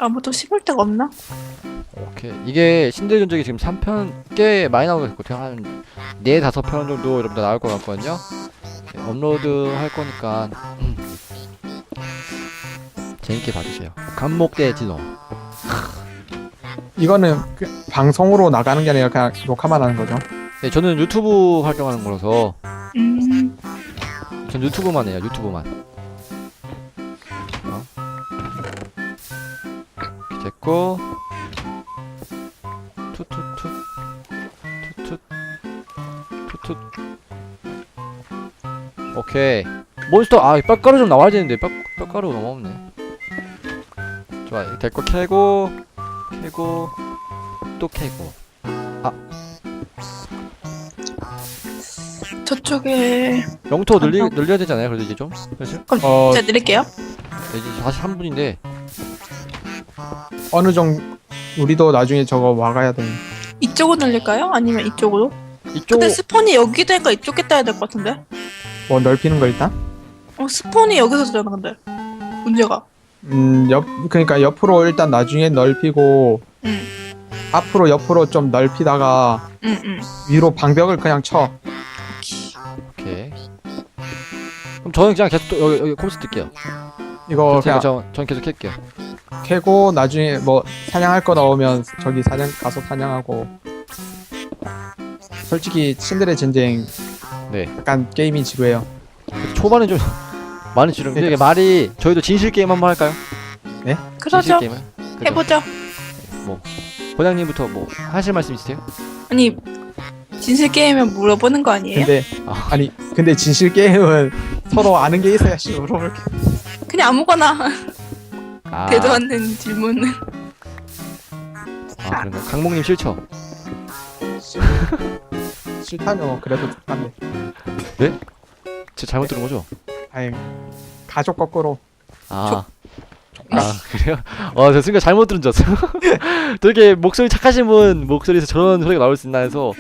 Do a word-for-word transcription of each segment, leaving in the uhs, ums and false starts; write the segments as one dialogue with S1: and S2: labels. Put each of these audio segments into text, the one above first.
S1: 아무도 씹을 데가 없나?
S2: 오케이. 이게 신들 전적이 지금 삼 편 꽤 많이 나오고 있고 한 네, 다섯 편 정도 여러분들 나올 것 같거든요. 네, 업로드 할 거니까 음. 재밌게 봐주세요. 감목대 진호.
S3: 이거는 그 방송으로 나가는 게 아니라 그냥 녹화만 하는 거죠.
S2: 네, 저는 유튜브 활동하는 거라서
S1: 음.
S2: 전 유튜브만 해요. 유튜브만. 어? 이렇게 됐고 투투투 투투 투투. 오케이. 몬스터 아 뼈가루 좀 나와야 되는데 뼈 뼈가루 너무 없네. 좋아. 됐고 캐고 캐고 또 캐고.
S1: 저쪽에
S2: 영토 늘리
S1: 감사합니다.
S2: 늘려야 되잖아요. 그래도 이제 좀. 그렇지?
S3: 어
S1: 제가 드릴게요.
S2: 이제 사십삼 분인데
S3: 어느 정도 우리도 나중에 저거 와가야 돼.
S1: 이쪽으로 늘릴까요? 아니면 이쪽으로?
S2: 이쪽
S1: 근데 스폰이 여기 되니까 이쪽에 따야 될 것 같은데?
S3: 뭐 넓히는 거 일단.
S1: 어 스폰이 여기서 되잖아 근데 문제가.
S3: 음옆 그러니까 옆으로 일단 나중에 넓히고
S1: 응.
S3: 앞으로 옆으로 좀 넓히다가
S1: 응, 응.
S3: 위로 방벽을 그냥 쳐.
S2: 오케이. 그럼 저는 그냥 계속 또 여기 여기 컴퓨터 뜰게요.
S3: 이거
S2: 제가
S3: 그냥
S2: 저, 전 계속 할게요.
S3: 캐고 나중에 뭐 사냥할 거 나오면 저기 사냥 가서 사냥하고. 솔직히 신들의 전쟁
S2: 네.
S3: 약간 게임이 지루해요.
S2: 초반에 좀 많이 지르는데 이게 말이 저희도 진실 게임 한번 할까요? 진실
S1: 그러죠.
S2: 게임을. 그죠?
S1: 해보죠.
S2: 뭐 고장님부터 뭐 하실 말씀 있으세요?
S1: 아니 진실 게임에 물어보는 거 아니에요?
S3: 근데
S2: 아,
S3: 아니 근데 진실 게임은 서로 아는 게 있어야지 물어볼 게.
S1: 그냥 아무거나
S2: 아,
S1: 대도 않는 질문은.
S2: 아 그런가? 강목님 싫죠?
S3: 싫다면 그래도 좋단데.
S2: 저 잘못 들은 거죠?
S3: 아니 가족 거꾸로.
S2: 아. 아 그래요? 어, 저 순간 잘못 들은 줄 알았어요. 되게 목소리 착하신 분 목소리에서 저런 소리가 나올 수 있나 해서.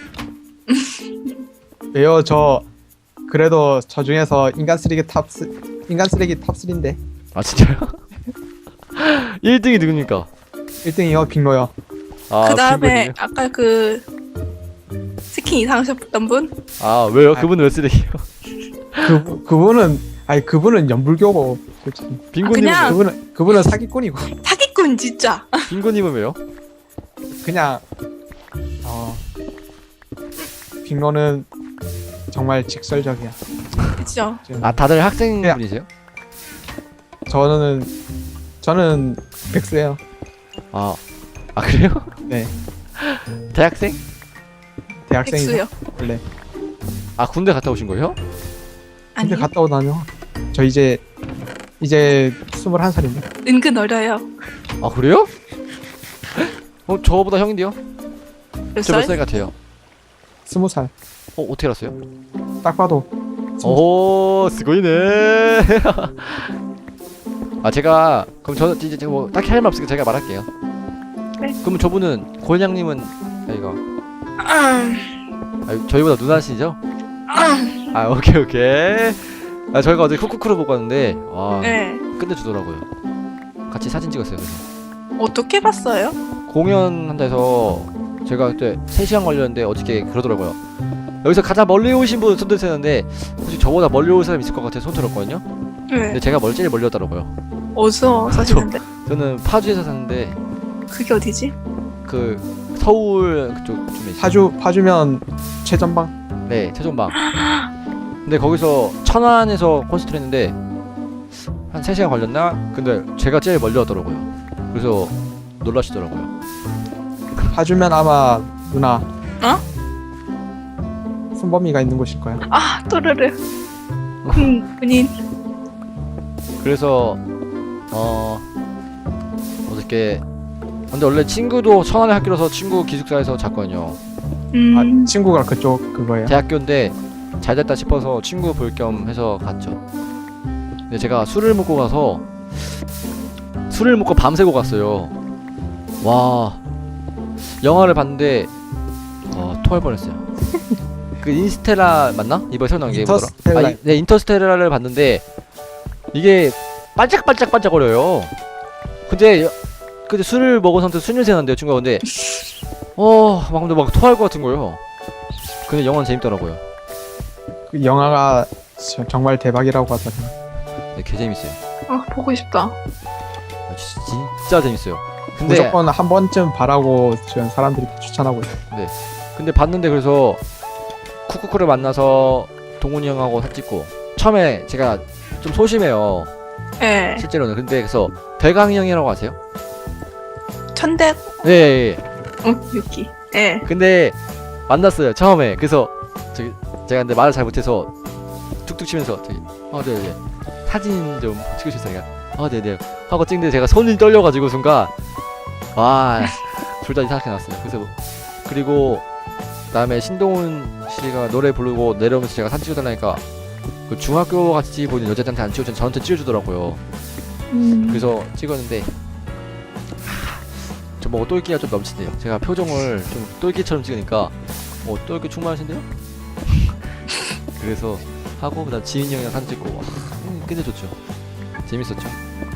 S3: 왜요? 저 그래도 저 중에서 인간 쓰레기 탑 쓰, 인간 쓰레기 탑 삼인데
S2: 아 진짜요? 일 등이 누굽니까?
S3: 일 등이요 빅로요.
S2: 아,
S1: 그 다음에
S2: 빈곤이요?
S1: 아까 그 스킨 이상하셨던 분?
S2: 아 왜요? 그분은 왜 쓰레기예요?
S3: 그 그분은 아니 그분은 연불교고 솔직히.
S2: 빈곤님은
S1: 그냥-
S2: 왜요?
S3: 그분은 그분은 사기꾼이고
S1: 사기꾼 진짜.
S2: 빈곤님은 왜요?
S3: 그냥 어 빅로는 정말 직설적이야.
S1: 그쵸?
S3: 지금
S2: 아 다들 학생분이세요?
S3: 저는 저는 백수예요.
S2: 아, 아 그래요?
S3: 네
S2: 대학생?
S3: 대학생이죠
S1: 백수요.
S3: 원래.
S2: 아 군대 갔다 오신 거예요?
S1: 아니
S3: 근데 갔다 오다뇨. 저 이제 이제 스물한 살인데.
S1: 은근 어려요.
S2: 아 그래요? 어 저보다 형인데요?
S1: 몇
S2: 저 몇
S1: 살?
S2: 살 같아요?
S3: 스무 살.
S2: 어 어떻게 알았어요?
S3: 딱 봐도.
S2: 오 스고이네. 아 제가 그럼 저 이제 제가 뭐 딱히 할 말 없으니까 제가 말할게요.
S1: 네.
S2: 그럼 저분은 고현양님은 아 이거
S1: 음,
S2: 아, 저희보다 누나시죠?
S1: 음.
S2: 아 오케이 오케이. 아 저희가 어제 쿠쿠쿠로 보고 왔는데 와
S1: 네.
S2: 끝내주더라고요. 같이 사진 찍었어요. 그래서
S1: 어떻게 봤어요?
S2: 공연한다 해서 제가 그때 세 시간 걸렸는데 어저께 그러더라고요. 여기서 가장 멀리 오신 분 손 드세는데 혹시 저보다 멀리 올 사람 있을 것 같아서 손 들었거든요.
S1: 네.
S2: 근데 제가 멀 제일 멀리 왔더라고요.
S1: 어디서 사시는데?
S2: 저는 파주에서 사는데
S1: 그게 어디지?
S2: 그 서울 그쪽 쯤에 있어요.
S3: 파주 파주면 최전방.
S2: 네 최종방. 근데 거기서 천안에서 콘서트를 했는데 한 세 시간 걸렸나? 근데 제가 제일 멀리 왔더라고요. 그래서 놀라시더라고요.
S3: 파주면 아마 누나.
S1: 어?
S3: 순범이가 있는 곳일 거야.
S1: 아 또르르. 군 군인.
S2: 그래서 어 어저께 근데 원래 친구도 천안에 학교라서 친구 기숙사에서 잤거든요.
S1: 음.
S3: 아, 친구가 그쪽 그거예요.
S2: 대학교인데 잘 됐다 싶어서 친구 볼 겸 해서 갔죠. 근데 제가 술을 먹고 가서 술을 먹고 밤새고 갔어요. 와 영화를 봤는데 어 토할 뻔했어요. 그 인스텔라 맞나? 이번에 새로 나온 게 뭐더라?
S3: 인터스텔라.
S2: 아, 이- 네 인터스텔라를 봤는데 이게 반짝반짝반짝거려요. 근데 여- 그때 술을 먹은 상태에서 술 냄새 난대요 친구가. 근데 어막 근데 막 토할 것 같은 거예요. 근데 영화는 재밌더라고요.
S3: 그 영화가 저- 정말 대박이라고 하더라고요.
S2: 네, 개 재밌어요.
S1: 아 보고 싶다.
S2: 아, 지- 진짜 재밌어요. 근데
S3: 무조건 한 번쯤 봐라고 지금 사람들이 추천하고 있어요.
S2: 근데 봤는데 그래서 쿠쿠쿠를 만나서 동훈이 형하고 사진 찍고 처음에 제가 좀 소심해요
S1: 예.
S2: 실제로는. 근데 그래서 대강이 형이라고 아세요?
S1: 천대
S2: 네. 예, 예.
S1: 어 유키. 예.
S2: 근데 만났어요 처음에. 그래서 저기 제가 근데 말을 잘 못해서 툭툭 치면서 저기 아 네네 사진 좀 찍으셨어요. 아 네네 하고 찍는데 제가 손이 떨려가지고 순간 와 둘 다 이상하게 나왔어요. 그래서 그리고 그다음에 신동훈 씨가 노래 부르고 내려오면서 제가 사진 찍어달라니까 그 중학교 같이 보이는 여자들한테 안 찍어주면 저한테 찍어주더라고요.
S1: 음.
S2: 그래서 찍었는데 저 뭐 똘끼가 좀 넘치네요. 제가 표정을 좀 똘끼처럼 찍으니까 어 똘끼 충만하신데요? 그래서 하고 그다음 지민이 형이랑 사진 찍고 와, 음, 끝내줬죠. 재밌었죠.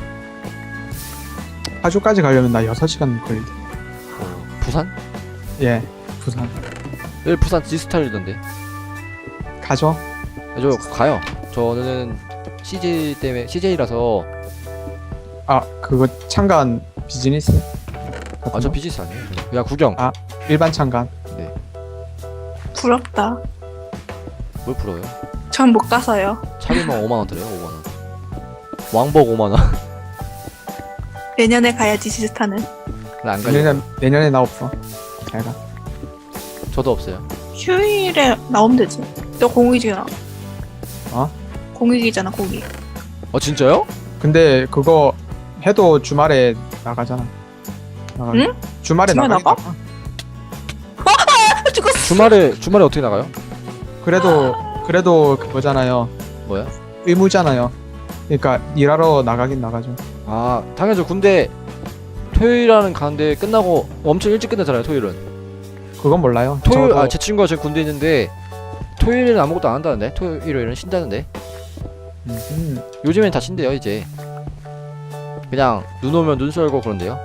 S3: 파주까지 가려면 나 여섯 시간 걸리대.
S2: 어, 부산?
S3: 예, 부산.
S2: 네 부산 지스타일이던데.
S3: 가죠.
S2: 저 가요. 저는 씨제이 때문에 씨제이라서.
S3: 아, 그거 참관 비즈니스?
S2: 아 저 비즈니스 아니에요. 그냥 구경.
S3: 아. 일반 참관.
S1: 부럽다.
S2: 뭘 풀어요?
S1: 전 못 가서요.
S2: 차비만 오만 원 들어요. 오만 원. 왕복 오만 원.
S1: 내년에 가야지 지스타는.
S2: 나안 가요.
S3: 내년 내년에 나 없어. 잘 가.
S2: 저도 없어요.
S1: 휴일에 나오면 되지. 너 공익이잖아.
S3: 어?
S1: 공익이잖아 공익.
S2: 아 진짜요?
S3: 근데 그거 해도 주말에 나가잖아. 나가.
S1: 응?
S3: 주말에
S1: 주말
S3: 나가.
S1: 나가? 아, 죽었어.
S2: 주말에 주말에 어떻게 나가요?
S3: 그래도 그래도 그거잖아요.
S2: 뭐야?
S3: 의무잖아요. 그러니까 일하러 나가긴 나가죠.
S2: 아 당연하죠. 군대 토요일에는 가는데 끝나고 엄청 일찍 끝나잖아요. 토요일은.
S3: 그건 몰라요.
S2: 토요일
S3: 저도
S2: 아 제 친구가 지금 군대 있는데 토요일에는 아무것도 안 한다는데 토요일 일요일은 쉰다는데.
S3: 음,
S2: 요즘엔 다 쉰대요 이제. 그냥 눈 오면 눈 썰고 그런데요.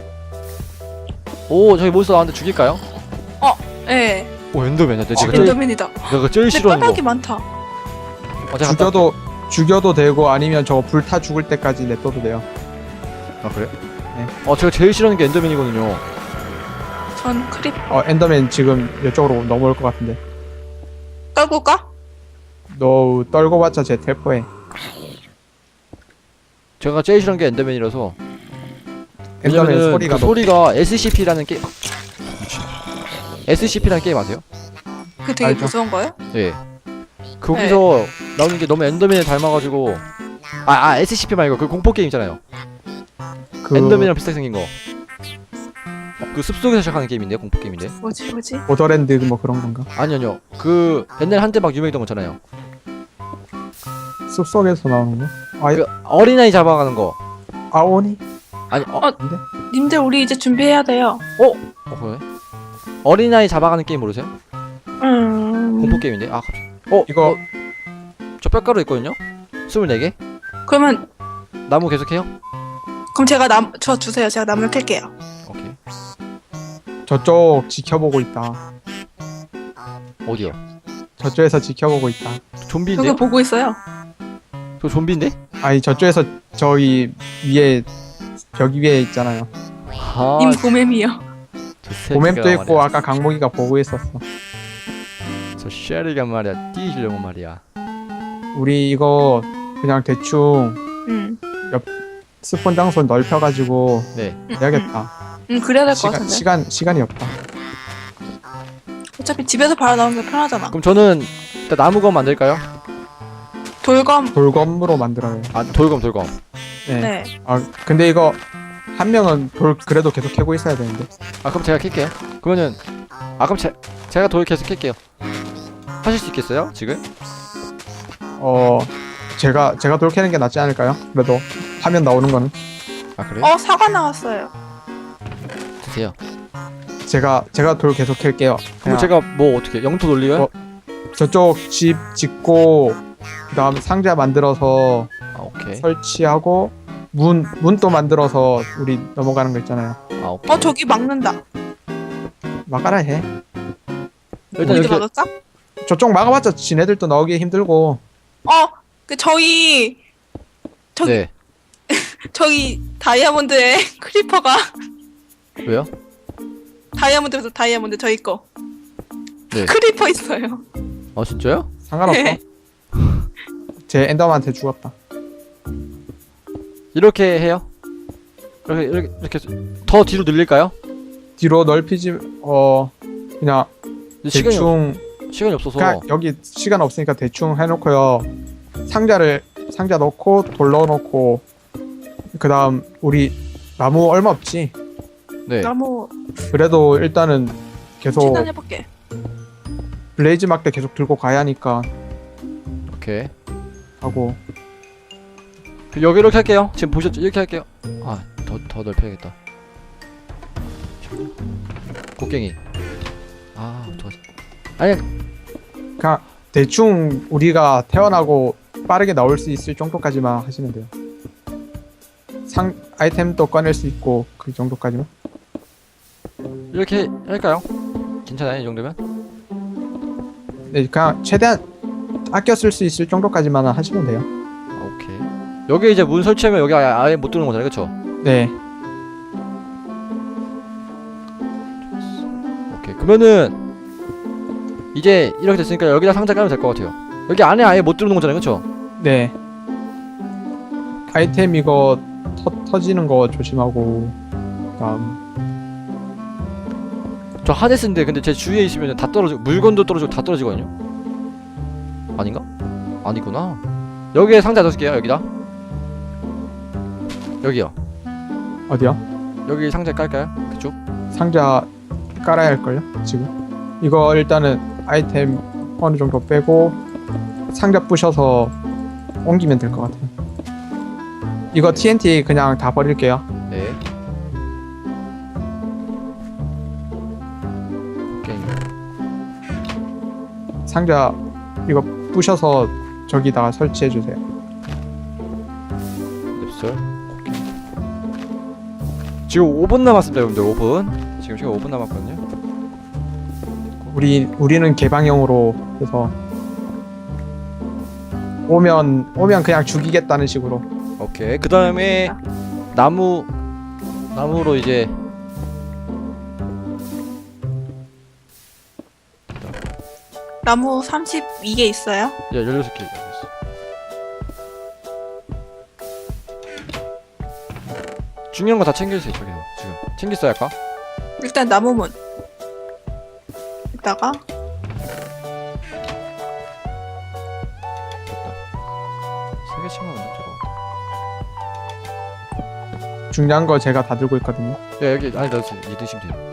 S2: 오 저기 몬스터 나왔는데 죽일까요?
S1: 예.
S2: 오 엔더맨이야. 내가
S3: 어,
S2: 제일
S1: 엔더맨이다.
S2: 내가 제일
S1: 근데
S2: 싫어하는
S1: 까닭이
S2: 거.
S1: 많다.
S2: 어, 제가 갔다
S3: 죽여도 죽여도 되고 아니면 저거 불타 죽을 때까지 냅둬도 돼요.
S2: 아 그래?
S3: 네.
S2: 어 제가 제일 싫어하는 게 엔더맨이거든요.
S1: 전 크립
S3: 어 엔더맨 지금 이쪽으로 넘어올 것 같은데.
S1: 떨고 가?
S3: 너 떨고봤자 제 텔포해.
S2: 제가 제일 싫어하는 게 엔더맨이라서.
S3: 엔더맨
S2: 왜냐면은
S3: 소리가
S2: 그
S3: 너무
S2: 소리가 에스씨피라는 게임. 에스씨피라는 게임 아세요?
S1: 그 되게
S3: 알죠.
S1: 무서운 거예요?
S2: 예. 거기서 나오는 게 너무 엔더맨을 닮아가지고. 아, 아 에스씨피 말고 그 공포 게임 있잖아요.
S3: 그
S2: 엔더맨이랑 비슷하게 생긴 거. 그 숲속에서 시작하는 게임인데 공포 게임인데.
S1: 뭐지 뭐지?
S3: 보더랜드 뭐 그런 건가?
S2: 아니 아니요. 그 옛날에 한때 막 유명했던 거 있잖아요.
S3: 숲속에서 나오는 거? 아,
S2: 그 어린아이 잡아가는 거.
S3: 아오니?
S2: 아니 어,
S1: 어.
S3: 근데?
S1: 님들 우리 이제 준비해야 돼요.
S2: 어 그래? 어린아이 잡아가는 게임 모르세요?
S1: 음.
S2: 공포 게임인데. 아 갑자기. 어
S3: 이거
S2: 어, 저 뼈가루 있거든요. 스물네 개.
S1: 그러면
S2: 나무 계속해요?
S1: 그럼 제가 남 저 주세요. 제가 나무를 캘게요.
S2: 오케이.
S3: 저쪽 지켜보고 있다.
S2: 어디요?
S3: 저쪽에서 지켜보고 있다.
S2: 좀비인데?
S1: 저거 보고 있어요.
S2: 저 좀비인데?
S3: 아니 저쪽에서 저기 위에 벽 위에 있잖아요.
S2: 아,
S1: 님 고매미요.
S2: 저 새끼가
S3: 고맵도 있고
S2: 말이야.
S3: 아까 강목이가 보고 있었어.
S2: 저 쉐리가 말이야 뛰시려고 말이야.
S3: 우리 이거 그냥 대충
S1: 음.
S3: 스폰 장소 넓혀가지고
S2: 네.
S1: 음,
S3: 해야겠다.
S1: 음, 음, 그래야 될 것
S3: 시간
S1: 같은데.
S3: 시간 시간이 없다.
S1: 어차피 집에서 바로 나오는 게 편하잖아.
S2: 그럼 저는 일단 나무검 만들까요?
S1: 돌검.
S3: 돌검으로 만들어요.
S2: 아 돌검 돌검.
S3: 네.
S1: 네.
S3: 아 근데 이거 한 명은 돌 그래도 계속 캐고 있어야 되는데.
S2: 아 그럼 제가 캘게요. 그러면은 아 그럼 제, 제가 돌 계속 캘게요. 하실 수 있겠어요? 지금?
S3: 어 제가 제가 돌 캐는 게 낫지 않을까요? 그래도 화면 나오는 거는
S2: 아 그래요?
S1: 어 사과 나왔어요.
S2: 드세요.
S3: 제가 제가 돌 계속 캘게요.
S2: 그럼
S3: 그냥
S2: 제가 뭐 어떻게 영토 돌리요?
S3: 어. 저쪽 집 짓고 그다음 상자 만들어서
S2: 아 오케이.
S3: 설치하고 문 문도 만들어서 우리 넘어가는 거 있잖아요.
S2: 아 오케이.
S1: 어 저기 막는다.
S3: 막아라 해.
S2: 일단
S1: 우리도
S2: 이렇게
S1: 막을까?
S3: 저쪽 막아봤자 지네들도 나오기 힘들고.
S1: 어그 저희 저기
S2: 네
S1: 저기 다이아몬드에 크리퍼가
S2: 왜요?
S1: 다이아몬드에서 다이아몬드 저희 거
S2: 네.
S1: 크리퍼 있어요.
S2: 아 진짜요?
S3: 상관없어.
S1: 네.
S3: 제 엔더한테 죽었다.
S2: 이렇게 해요? 이렇게 이렇게 이렇게 더 뒤로 늘릴까요?
S3: 뒤로 넓히지 어 그냥
S2: 근데 시간이 없,
S3: 대충
S2: 시간이 없어서
S3: 그냥 여기 시간 없으니까 대충 해놓고요. 상자를 상자 넣고 돌 넣어놓고 그 다음 우리 나무 얼마 없지.
S2: 네
S1: 나무
S3: 그래도 일단은 계속
S1: 진단해볼게.
S3: 블레이즈 막대 계속 들고 가야 하니까
S2: 오케이
S3: 하고.
S2: 그 여기 이렇게 할게요. 지금 보셨죠? 이렇게 할게요. 아 더 더 넓혀야겠다. 곡괭이. 아 좋았어. 아니
S3: 그냥 대충 우리가 태어나고 빠르게 나올 수 있을 정도까지만 하시면 돼요. 상 아이템도 꺼낼 수 있고 그 정도까지만.
S2: 이렇게 할까요? 괜찮아요 이 정도면?
S3: 네, 그냥 최대한 아껴 쓸 수 있을 정도까지만 하시면 돼요.
S2: 아, 오케이. 여기 이제 문 설치하면 여기 아예, 아예 못 들어오는 거잖아요, 그렇죠?
S3: 네,
S2: 오케이. 그러면은 이제 이렇게 됐으니까 여기다 상자 깔면 될 것 같아요. 여기 안에 아예 못 들어오는 거잖아요, 그렇죠?
S3: 네. 아이템 이거 터, 터지는 거 조심하고. 다음
S2: 저 하데스인데 근데 제 주위에 있으면 다 떨어지고 물건도 떨어지고 다 떨어지거든요. 아닌가? 아니구나. 여기에 상자 넣을게요. 여기다. 여기요.
S3: 어디요?
S2: 여기 상자 깔까요? 그쪽?
S3: 상자 깔아야 할걸요? 지금 이거 일단은 아이템 어느 정도 빼고 상자 부셔서 옮기면 될 것 같아요. 이거 티엔티 그냥 다 버릴게요.
S2: 네. 오케이.
S3: 상자 이거 부셔서 저기다가 설치해 주세요.
S2: nep설. 오케이. 지금 오 분 남았습니다, 여러분들. 오 분. 지금 시간 오 분 남았거든요.
S3: 우리 우리는 개방형으로 해서 오면 오면 그냥 죽이겠다는 식으로.
S2: 오케이. 그 다음에 나무 나무로 이제
S1: 나무 삼십이 개 있어요.
S2: 예, 열여섯 개 있어. 중요한 거 다 챙겨주세요, 저기서. 지금. 챙겼어요, 아까?
S1: 일단 나무문. 이따가
S2: 됐다. 세 개씩만 만들 저거.
S3: 중요한 거 제가 다 들고 있거든요.
S2: 야, 여기, 아니, 넣으세요. 이 드시면 돼요.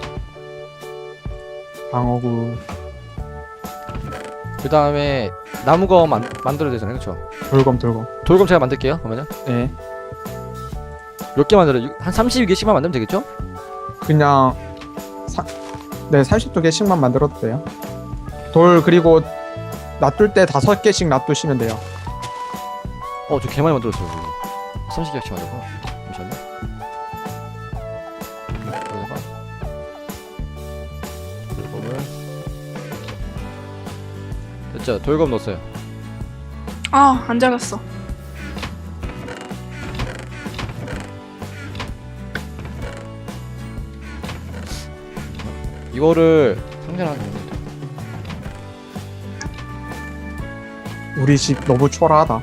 S3: 방어구,
S2: 그 다음에 나무검 만, 만들어야 되잖아요, 그쵸?
S3: 돌검 돌검.
S2: 돌검 제가 만들게요, 그러면은.
S3: 네.
S2: 몇 개 만들어요? 한 삼십이 개씩만 만들면 되겠죠?
S3: 그냥 사, 네 삼십두 개씩만 만들어도 돼요. 돌 그리고 놔둘 때 다섯 개씩 놔두시면 돼요.
S2: 어, 저 개 많이 만들었어요, 이거. 삼십 개씩 만들고. 잠시만요. 여기다가 돌검을. 됐죠? 돌검 넣었어요.
S1: 아 안 작았어.
S2: 이거를 상자를 하나 넣으면 돼.
S3: 우리 집 너무 초라하다.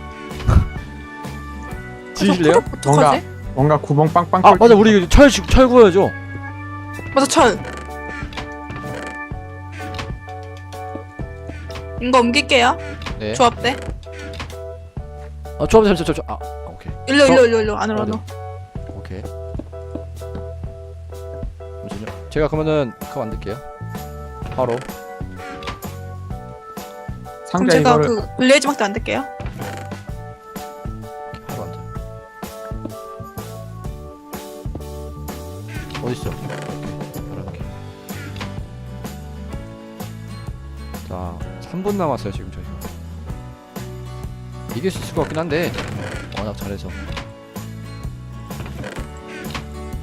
S2: 지실래요?
S1: 저 크롭
S3: 뭔가
S1: 어떡하지?
S3: 뭔가 구멍 빵빵.
S2: 아,
S3: 뚫린
S2: 맞아.
S3: 것
S2: 우리 이거 철, 주- 철 구워야죠.
S1: 맞아 철. 이거 옮길게요.
S2: 네.
S1: 조합대.
S2: 아, 조합, 잠시, 잠시, 아, 오케이.
S1: 일로
S2: 저-
S1: 일로 일로 일로 안으로
S2: 어디?
S1: 안으로.
S2: 오케이. 잠시만요. 제가 그러면은 그거 만들게요. 바로.
S1: 그럼
S3: 상자
S1: 제가
S3: 이거를
S1: 그 블레이즈 막대 만들게요.
S2: 바로 만들. 어딨어? 오케이. 바로 이렇게. 자, 삼 분 남았어요 지금 저희가. 이길 수 있을 것 같긴 한데 워낙 잘해서.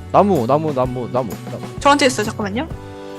S2: 나무 나무 나무 나무 나무.
S1: 저한테 있어요. 잠깐만요.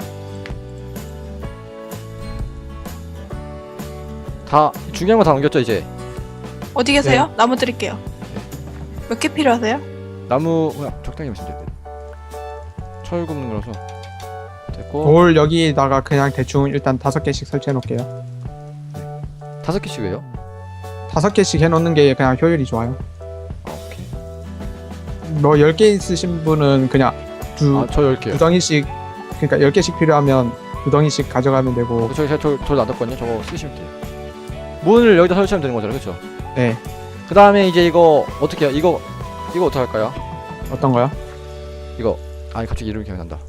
S2: 다 중요한 거 다 넘겼죠 이제.
S1: 어디 계세요? 나무 드릴게요. 몇 개 필요하세요?
S2: 나무 그냥 적당히 하시면 돼요. 철 굽는 거라서 됐고.
S3: 돌 여기다가 그냥 대충 일단 다섯 개씩 설치해 놓을게요.
S2: 다섯 개씩 왜요?
S3: 다섯 개씩 해놓는 게 그냥 효율이 좋아요.
S2: 아 오케이.
S3: 뭐 열 개 있으신 분은 그냥 두,
S2: 아저 열 개요.
S3: 두 덩이씩, 그러니까 열 개씩 필요하면 두 덩이씩 가져가면 되고.
S2: 어, 저기 제가 돌, 돌 놔뒀거든요. 저거 쓰시면 돼요. 문을 여기다 설치하면 되는 거잖아요, 그렇죠?
S3: 네.
S2: 그 다음에 이제 이거 어떻게 해요? 이거 이거 어떻게 할까요?
S3: 어떤 거요?
S2: 이거 아니 갑자기 이름이 기억난다.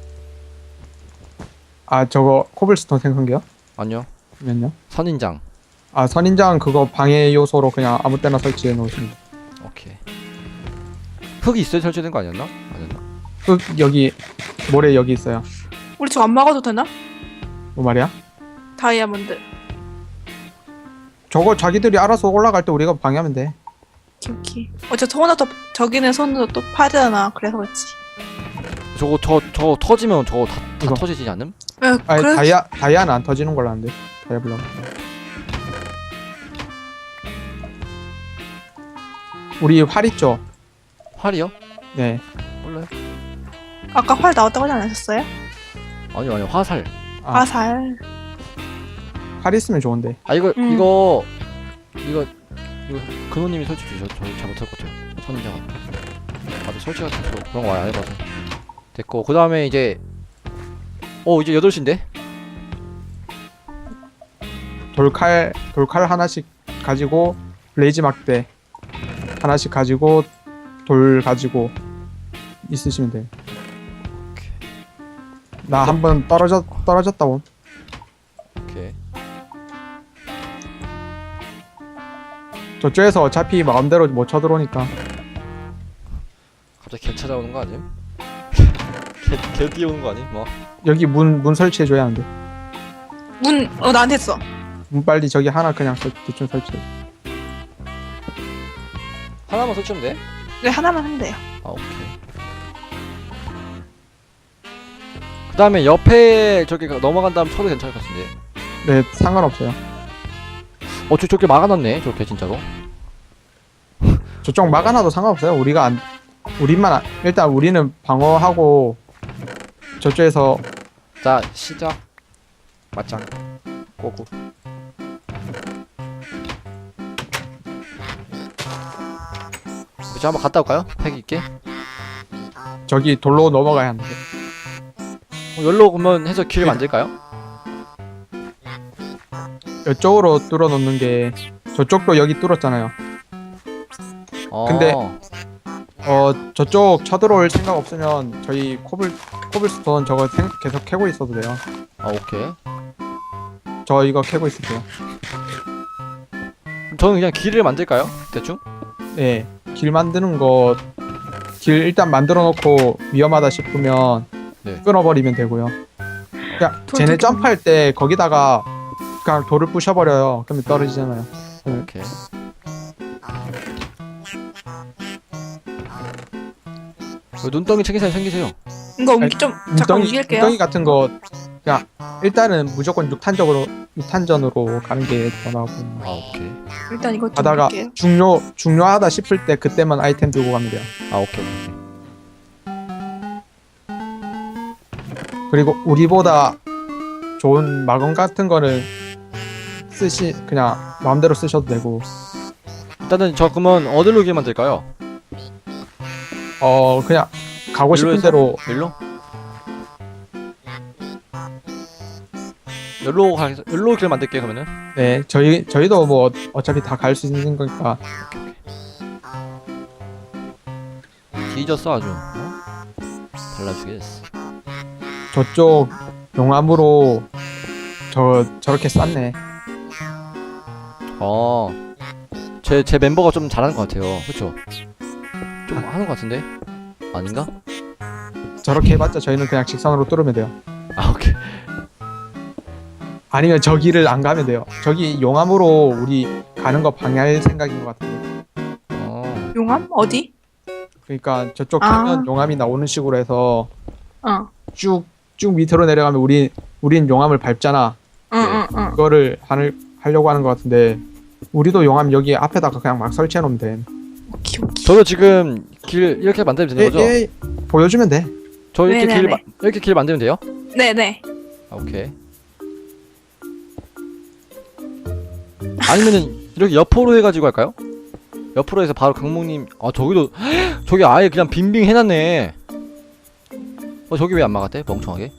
S3: 아 저거 코블스톤 생성기요
S2: 아니요.
S3: 면요?
S2: 선인장.
S3: 아 선인장 그거 방해 요소로 그냥 아무 때나 설치해 놓으시면 돼요.
S2: 오케이. 흙이 있어야 설치된 거 아니었나? 아니었나?
S3: 흙 여기 모래 여기 있어요.
S1: 우리 저거 안 막아도 되나?
S3: 뭐 말이야?
S1: 다이아몬드.
S3: 저거 자기들이 알아서 올라갈 때 우리가 방해하면 돼.
S1: 키키. 어차피 손으로 또 저기는 손으로 또 파잖아. 그래서 그렇지.
S2: 저거 저 저거 터지면 저거 다, 다
S3: 이거.
S2: 터지지 않음?
S1: 왜
S3: 아니
S1: 그래?
S3: 다이아 다이아는 안 터지는 걸로 아는데. 다이아 블럭. 우리 활 있죠?
S2: 활이요?
S3: 네.
S2: 몰라요.
S1: 아까 활 나왔다고 하지 않으셨어요?
S2: 아니요 아니요 화살.
S3: 아,
S1: 화살.
S3: 활 있으면 좋은데.
S2: 아 이거
S1: 음.
S2: 이거 이거 이거 근호님이 설치 주셔. 저 잘못할 것 같아요. 선인장. 다들 설치 같은 거 그런 거 많이 안 해봐서. 됐고 그 다음에 이제 어 이제 여덟 시인데?
S3: 돌칼 돌칼 하나씩 가지고 블레이즈 막대 하나씩 가지고 돌 가지고 있으시면 돼요. 나 한 번 떨어졌 떨어졌다 온.
S2: 오케이.
S3: 저쪽에서 어차피 마음대로 못 쳐들어오니까.
S2: 갑자기 개 찾아오는 거 아님? 개, 개 뛰어오는 거 아님? 뭐
S3: 여기 문 문 설치해 줘야 하는데.
S1: 문, 어, 나한테 했어.
S3: 문 빨리 저기 하나 그냥 설, 대충 설치해.
S2: 하나만 설치하면 돼?
S1: 네, 하나만 하면 돼요.
S2: 아 오케이. 그 다음에 옆에 저기 넘어간 다음 쳐도 괜찮을 것 같은데.
S3: 네, 상관없어요.
S2: 어, 저 저렇게 막아놨네. 저렇게 진짜로.
S3: 저쪽 막아놔도 상관없어요. 우리가 안 우리만 안, 일단 우리는 방어하고 저쪽에서
S2: 자 시작. 맞짱. 고고. 저 한번 갔다 올까요? 팩 있게.
S3: 저기 돌로 넘어가야 하는데.
S2: 어, 열로 그러면 해서 길 만들까요?
S3: 이쪽으로 뚫어 놓는 게 저쪽도 여기 뚫었잖아요.
S2: 어.
S3: 근데 어 저쪽 쳐들어올 생각 없으면 저희 코블 코블스톤 저거 생, 계속 캐고 있어도 돼요.
S2: 아 오케이.
S3: 저 이거 캐고 있을게요.
S2: 그럼 저는 그냥 길을 만들까요? 대충?
S3: 네, 길 만드는 거 길 일단 만들어 놓고 위험하다 싶으면
S2: 네.
S3: 끊어버리면 되고요. 그냥
S1: 돌
S3: 쟤네
S1: 되게
S3: 점프할 때 거기다가 그냥 돌을 부셔버려요. 그러면 떨어지잖아요.
S2: 오케이. 그 눈덩이 챙기세요, 챙기세요.
S1: 이거 옮기 좀 잠깐
S3: 눈덩이,
S1: 옮길게요.
S3: 눈덩이 같은 거 그냥 일단은 무조건 육탄적으로 육탄전으로 가는 게 더 나고.
S2: 아 오케이.
S1: 일단 이거 좀
S3: 가다가
S1: 옮길게요.
S3: 중요 중요하다 싶을 때 그때만 아이템 들고 가면 돼요.
S2: 아 오케이 오케이.
S3: 그리고 우리보다 좋은 마검 같은 거는 쓰시 그냥 마음대로 쓰셔도 되고.
S2: 일단은 저 그러면 어디로 길 만들까요?
S3: 어 그냥 가고 싶은
S2: 일로에서?
S3: 대로.
S2: 일로? 일로 가 일로 길 만들게 그러면은.
S3: 네, 저희 저희도 뭐 어차피 다 갈 수 있는 거니까.
S2: 뒤졌어 아주. 어? 발라주겠어.
S3: 저쪽 용암으로 저 저렇게 쌌네.
S2: 어. 제 제 멤버가 좀 잘하는 것 같아요. 그렇죠? 좀 하는 것 같은데? 아닌가?
S3: 저렇게 해봤자 저희는 그냥 직선으로 뚫으면 돼요.
S2: 아 오케이.
S3: 아니면 저기를 안 가면 돼요. 저기 용암으로 우리 가는 거 방해할 생각인 것 같은데.
S2: 어.
S1: 용암? 어디?
S3: 그러니까 저쪽
S1: 아.
S3: 캐면 용암이 나오는 식으로 해서
S1: 어.
S3: 쭉 쭉 밑으로 내려가면 우리 우린 용암을 밟잖아.
S1: 응, 응, 응.
S3: 그거를 하늘 하려고 하는 것 같은데 우리도 용암 여기 앞에다가 그냥 막 설치해 놓으면 돼.
S1: 오케이, 오케이.
S2: 저도 지금 길 이렇게 만들면 되는 거죠?
S3: 예, 예, 보여주면 돼.
S2: 저 이렇게 길
S1: 네네네.
S2: 마, 이렇게 길 만들면 돼요?
S1: 네네.
S2: 아, 오케이. 아니면은 이렇게 옆으로 해가지고 할까요? 옆으로 해서 바로 강목님. 아 저기도 저기 아예 그냥 빙빙 해놨네. 어 저기 왜 안 막았대? 멍청하게.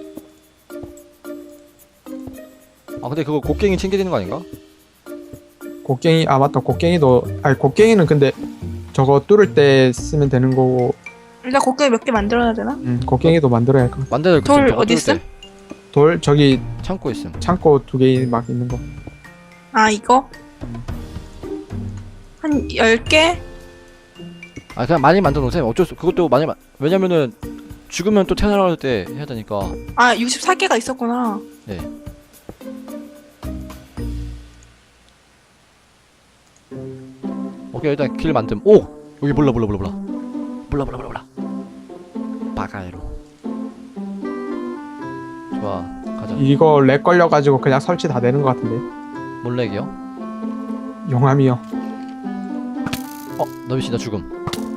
S2: 아 근데 그거 곡괭이 챙겨야 되는 거 아닌가?
S3: 곡괭이 아 맞다 곡괭이도 아니 곡괭이는 근데 저거 뚫을 때 쓰면 되는 거고
S1: 일단 곡괭이 몇 개 만들어야 되나?
S3: 음, 곡괭이도 만들어야 할 거.
S2: 만들어.
S1: 돌 어디 있음?
S3: 돌 저기
S2: 창고 있음.
S3: 창고 두 개 막 있는 거.
S1: 아 이거? 한 열 개?
S2: 아 그냥 많이 만들어 놓으세요. 어쩔 수 그것도 많이 마, 왜냐면은 죽으면 또 태어날 때 해야 되니까.
S1: 아 육십사 개가 있었구나.
S2: 네. 오케이 일단 길 만듦. 오 여기 몰라 몰라 몰라 몰라 몰라 몰라 몰라 몰라. 바가이로. 좋아 가자.
S3: 이거 렉 걸려가지고 그냥 설치 다 되는 것 같은데.
S2: 몰래기요?
S3: 용암이요.
S2: 어 너비씨 나 죽음.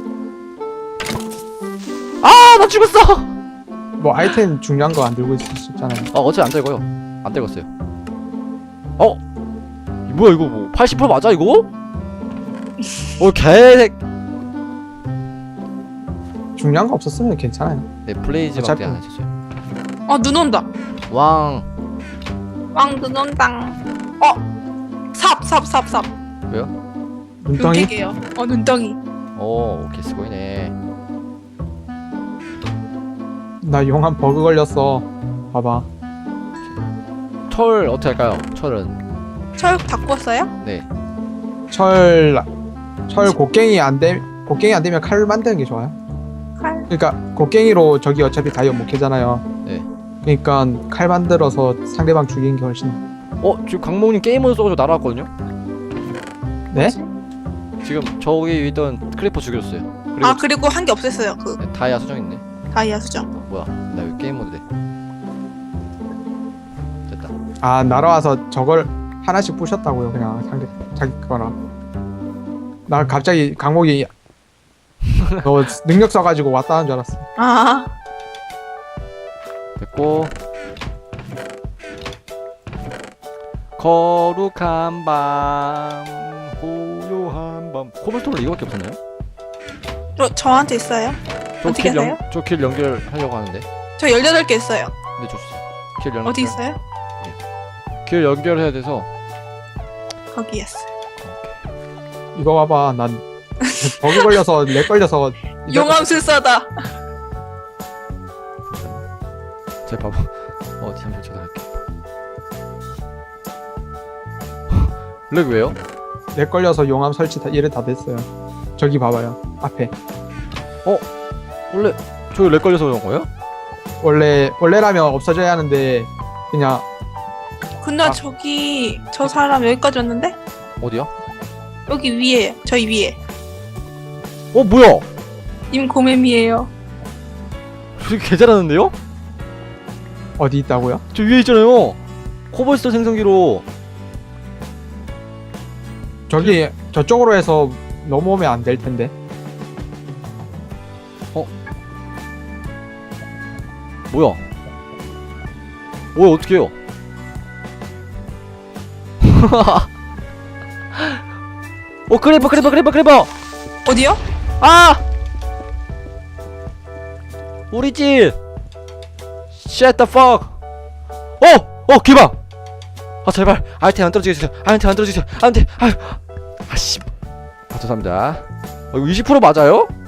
S2: 아 나 죽었어.
S3: 뭐 아이템 중요한 거 안 들고 있을 수 있잖아요.
S2: 아 어차피 안 들고요. 안 들었어요. 어 이 뭐야 이거 뭐 팔십 퍼센트 맞아 이거? 어 개색.
S3: 중요한 거 없었으면 괜찮아요.
S2: 네 블레이즈밖에
S3: 어차피-
S2: 안 하셨어요.
S1: 어 눈 온다.
S2: 왕.
S1: 왕 눈 온다. 어. 삽, 삽, 삽, 삽.
S3: 눈덩이?
S1: 눈깨게요. 어 눈덩이.
S2: 오 오케이 스고이네.
S3: 나 용암 버그 걸렸어. 봐봐.
S2: 철 어떻게 할까요? 철은
S1: 철 다 구웠어요?
S2: 네.
S3: 철, 철 곡괭이 안 되, 곡괭이 안 되면 칼 만드는 게 좋아요.
S1: 칼.
S3: 그러니까 곡괭이로 저기 어차피 다이어 못 캐잖아요.
S2: 네.
S3: 그러니까 칼 만들어서 상대방 죽이는 게 훨씬.
S2: 어 지금 강목님 게임으로 써가지고 날아왔거든요.
S3: 네?
S2: 지금 저기 있던 크리퍼 죽였어요. 그리고
S1: 아 그리고 한 개 없앴어요. 그
S2: 네, 다이아 수정 있네.
S1: 다이아 수정.
S2: 뭐야? 나 여기 게임 모드 돼. 됐다.
S3: 아 날아와서 저걸 하나씩 부셨다고요. 그냥 상대 자기 거라. 나 갑자기 강목이 너 능력 써가지고 왔다 하는 줄 알았어.
S1: 아
S2: 됐고. 거룩한 밤, 고요한 밤. 코블스톤을 이거밖에 없었나요?
S1: 저, 저한테 있어요. 어떻게
S2: 저길
S1: 하세요?
S2: 저길 연결하려고 하는데.
S1: 저 열여덟 개 있어요.
S2: 네 줬어요. 길 연결.
S1: 어디 있어요?
S2: 길 연결해야 돼서.
S1: 거기 있어요.
S3: 이거 봐봐. 난 버그 걸려서 렉 걸려서 이제-
S1: 용암술사다.
S2: 제 바보. 어 잠시만 저도 할게. 렉 왜요?
S3: 렉 걸려서 용암 설치 다 이래 다 됐어요. 저기 봐봐요. 앞에.
S2: 원래 저기 렉 걸려서 그런 거예요?
S3: 원래 원래라면 없어져야 하는데 그냥
S1: 근데
S3: 아.
S1: 저기 저 사람 여기까지 왔는데?
S2: 어디야?
S1: 여기 위에 저희 위에
S2: 어 뭐야?
S1: 님 고매미예요.
S2: 저기 개 잘하는데요?
S3: 어디 있다고요?
S2: 저 위에 있잖아요. 코블스톤 생성기로.
S3: 저기 저쪽으로 해서 넘어오면 안 될 텐데.
S2: 뭐야? 뭐야 어떻게 해요? 어 크리퍼 크리퍼 크리퍼 크리퍼.
S1: 어디요?
S2: 아! 우리 집. Shut the fuck. 어! 어 기방. 아 제발 아이템 안 떨어지게 해주세요. 아이템 안 떨어지게 해주세요. 안돼. 아유. 아씨. 아 죄송합니다. 어, 이거 이십 퍼센트 맞아요?